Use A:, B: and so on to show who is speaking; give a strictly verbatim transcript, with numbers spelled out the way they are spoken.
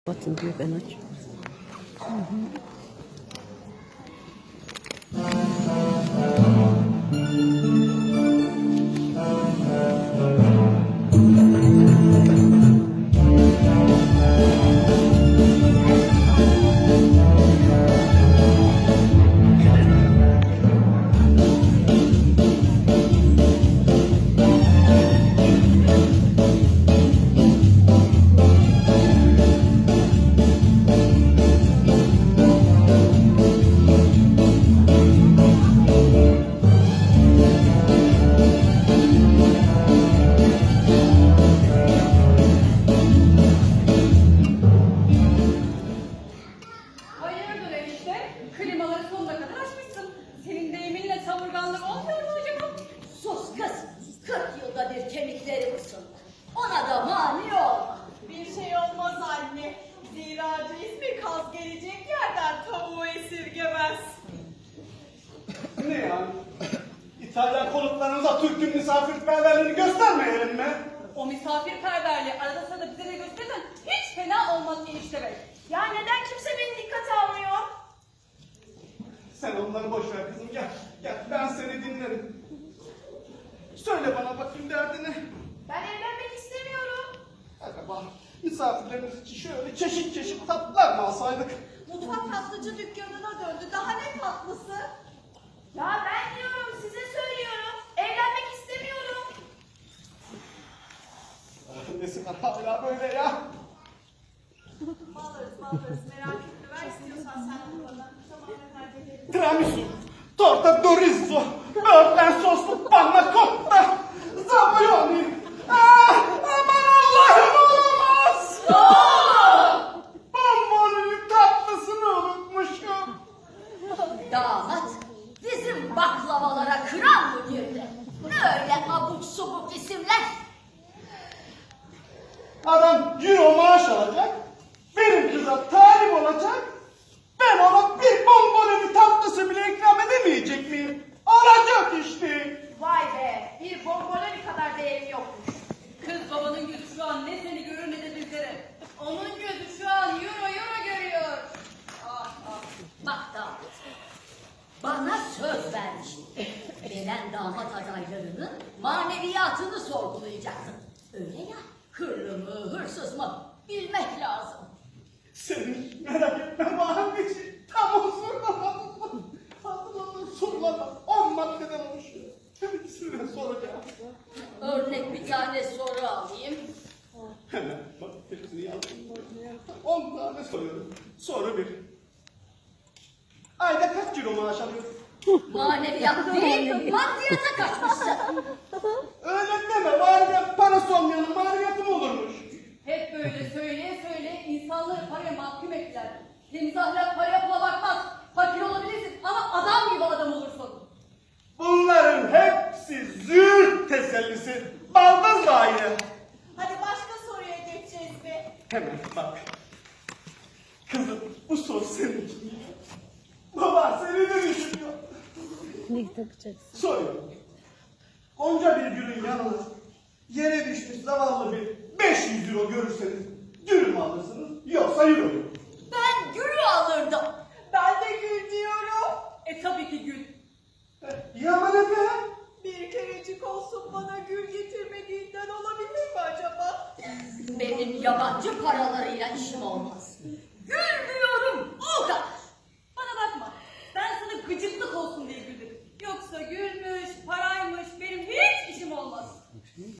A: Batın diyor, ben aç. Hı hı.
B: Hayırdır enişte? Klimaları sonuna kadar açmışsın. Senin deyiminle savurganlık olmuyor mu acaba?
C: Sus kız, kırk yılda bir kemikleri ısındı. Ona da mani olma.
D: Bir şey olmaz anne. Zira ismi kaz gelecek yerden tavuğu esirgemez.
E: Ne yani? İtalyan konuklarınıza Türk'ün misafirperverliğini göstermeyelim mi?
B: O misafirperverliği arada sırada bize de göstersen hiç fena olmaz enişte bey.
D: Ya neden kimse beni dikkate almıyor?
E: Sen onları boş ver kızım, gel. Gel, ben seni dinlerim. Söyle bana bakayım derdini.
D: Ben evlenmek istemiyorum.
E: Acaba misafirlerimiz için şöyle çeşit çeşit tatlılar mı alsaydık?
D: Mutfak tatlıcı dükkanına döndü. Daha ne tatlısı? Ya ben diyorum, size söylüyorum. Evlenmek istemiyorum.
E: Nesi var hala böyle ya?
D: Alırız alırız, merak etme. Ver istiyorsan sen onu bana. Tamam, ben hallederim.
E: Tiramisu, torta dorizzo, böğürtlen soslu panna cotta, zabulyoni. Ah, aman Allah'ım, olamaz! Bonbonun tatlısını unutmuşum.
C: Damat bizim baklavalara kıran mı girdi? Ne öyle abuk subuk isimler?
E: Adam euro maaş alacak, benim kıza talip olacak, ben ona bir bonbonun tatlısı bile ikram edemeyecek miyim? Olacak işte.
D: Vay be, bir bomboloni kadar değeri yokmuş.
B: Kız babanın gözü şu an ne seni görür ne de bizleri. Onun gözü şu an euro euro görüyor. Ah ah.
C: Bak damat, bana söz vermiştin. Gelen damat adaylarının maneviyatını sorgulayacaktın. Öyle ya, hırlı mı hırsız mı bilmek lazım.
E: Senin merak etme anneciğim, tam o sorular. Hatırladığım sorularla on maddeden oluşuyor. Hepsine soracağım.
C: Örnek bir tane soru alayım.
E: Hemen bak hepsini yazdım. On tane soruyorum. Soru bir. Ayda kaç kilo maaş alıyorsun?
C: Maneviyat değil, maddiyata kaçmışsın.
E: Öyle deme, maneviyat parası olmayanın maneviyatı mı olurmuş?
B: Hep böyle söyleye söyleye insanları paraya mahkum ettiler. Temiz ahlak paraya pula bakmaz. Fakir olabilirsin ama adam gibi adam olursun.
E: Bunların hepsi züğürt tesellisi. Baldız gaye.
D: Hadi başka soruya geçeceğiz be.
E: Hemen bak. Kızım bu soru senin için. Baba seni de düşünüyor.
A: Ne takacaksın?
E: Soruyorum. Onca bir gülün yanına yere düşmüş zavallı bir beş yüz euro görürseniz gül mü alırsınız yoksa euro mu?
C: Ben gülü alırdım.
D: Ben de gül diyorum.
B: E tabii ki gül.
E: Yaman efendim.
D: Bir kerecik olsun bana gül getirmediğinden olabilir mi acaba?
C: Benim yabancı paralarıyla işim olmaz. Gül diyorum, o kadar.
B: Bana bakma. Ben sana gıcıklık olsun diye güldüm. Yoksa gül mü,